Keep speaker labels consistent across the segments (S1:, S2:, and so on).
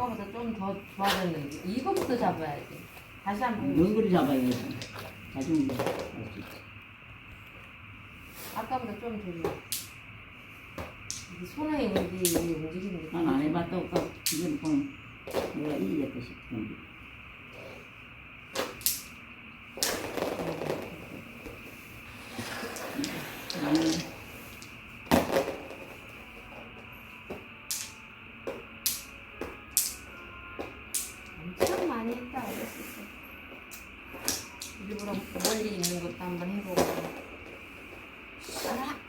S1: 아까보다 좀 더 좋아졌는데 이거부터 잡아야지. 다시 한번
S2: 연거리 잡아야겠어. 나중에 할수 있어.
S1: 아까보다 좀 더 좋아. 이게 손에 이게 움직이는 게.
S2: 난 안 해봤다고 이건 보면 내가 이기겠다 싶은데.
S1: 엄청 많이 했다 어렸을 때. 일부러 멀리 있는 것도 한번 해보고. 따라.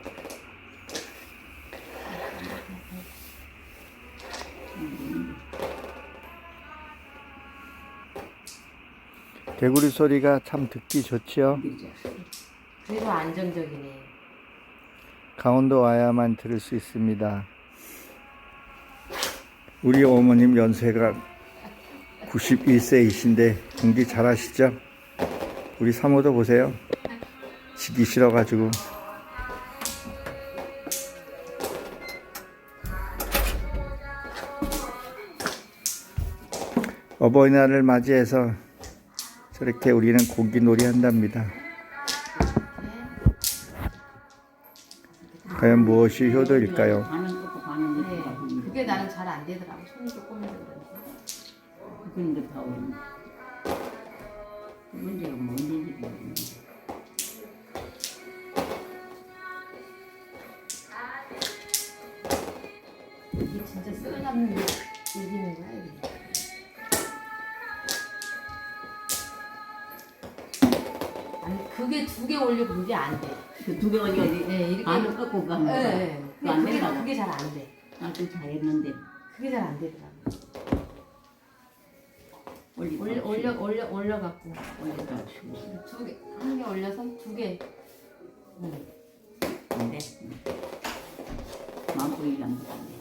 S3: 개구리 소리가 참 듣기 좋지요.
S1: 그래도 안정적이네.
S3: 강원도 와야만 들을 수 있습니다. 우리 어머님 연세가 91세이신데 공기 잘하시죠? 우리 사모도 보세요. 지기 싫어가지고. 어버이날을 맞이해서 저렇게 우리는 고기놀이 한답니다. 과연 무엇이 효도일까요?
S2: 반은 꺾고 반은
S1: 네,
S2: 이렇게
S1: 그게 나는 잘 안 되더라고. 손이 조금 힘들던데.
S2: 그런데 다 오는. 문제가 뭔지 모르겠네.
S1: 이게 진짜 쓸데없는 얘기는 거야 이게. 아니 그게 두 개 올리고 그게 안 돼.
S2: 그 두 개 어디
S1: 네, 이렇게.
S2: 반을 꺾고 가는
S1: 네,
S2: 거야.
S1: 네.
S2: 그거 안
S1: 그게
S2: 된다고.
S1: 그게 잘 안 돼.
S2: 나도 잘했는데
S1: 그게 잘 안 되더라고.
S2: 올리고
S1: 올려갖고
S2: 올렸다 치고.
S1: 두 개, 한 개 올려서 두 개.
S2: 근데 마음 보이지 않는데.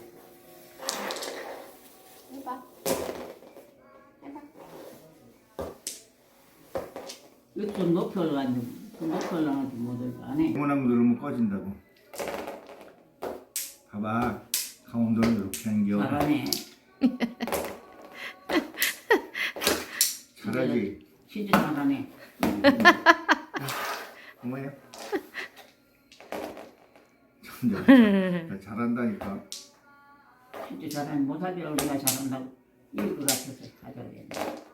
S1: 해봐. 해봐.
S2: 이거 좀 높이 올라가지고 좀 높이 올라가지고 못 올까 안 해.
S3: 원하고 누르면 꺼진다고. 봐봐. 강원도는 이렇게 한겨.
S2: 잘하네.
S3: 잘하지.
S2: 진짜 잘하네.
S3: 어머니. 참 잘한다니까.
S2: 진짜 잘하네. 못하기를 우리가 잘한다고 이길 것 같아서 하자고 했네.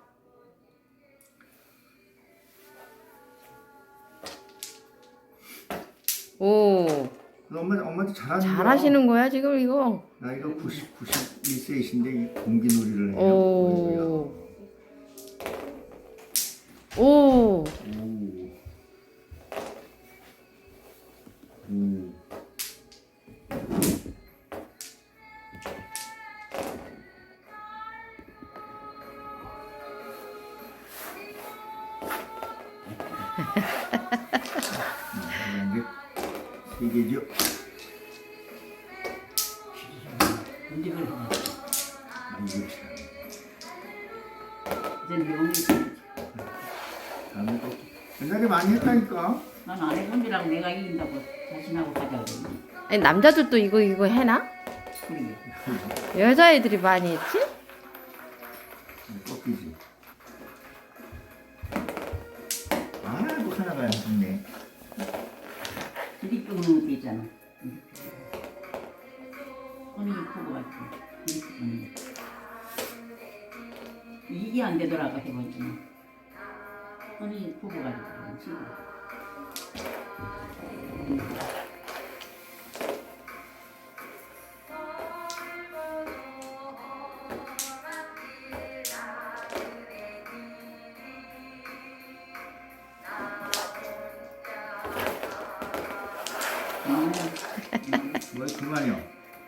S1: 오,
S3: 엄마한테 잘하는 거야.
S1: 잘하시는 거야 지금 이거.
S3: 나이가 91세이신데 이 공기놀이를 해요.
S1: 오. 오.
S3: 오. 오. 세 개죠.
S2: 언제 그래?
S3: 아이고 참.
S2: 이제 용이
S3: 다음에 또 옛날에 많이 했다니까.
S2: 난안 해본 줄 알고 내가 이긴다고 자신하고 가자고 그랬네.
S1: 아니 남자들도 이거 해나?
S2: 그러게.
S1: 여자애들이 많이 했지?
S3: 꺾이지. 아이고 하나가 안 좋네.
S2: 이리 끄는 것도 있잖아. 손이 크고 같지. 이렇게 끄는 거. 이게 안 되더라고 해보니까. 손이 크고 가지고 지금.
S3: 뭐 그만이요.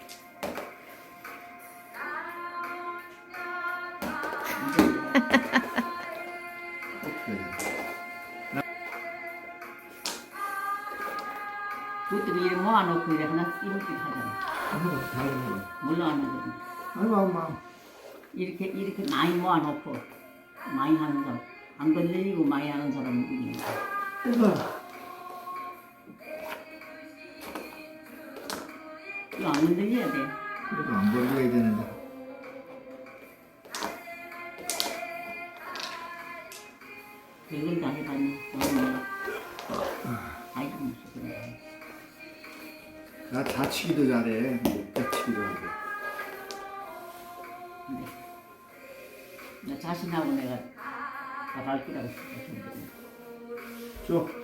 S2: 그것도 이렇게 모아놓고 이렇게 하나 이렇게 하잖아. 몰라 하는 거.
S3: 아이고 엄마.
S2: 이렇게 많이 모아놓고 많이 하는 사람, 안 건드리고 많이 하는 사람은 이기는 거야. 이거 안 건드려야 돼.
S3: 그래도 안 걸려야 되는데.
S2: 이걸 다 해봤네. 너는 아이고 무슨 그래.
S3: 나 다치기도 잘해. 다치기도 하고.
S2: 근데 나 자신하고 내가 나갈 거라고 생각했는데.
S3: 줘.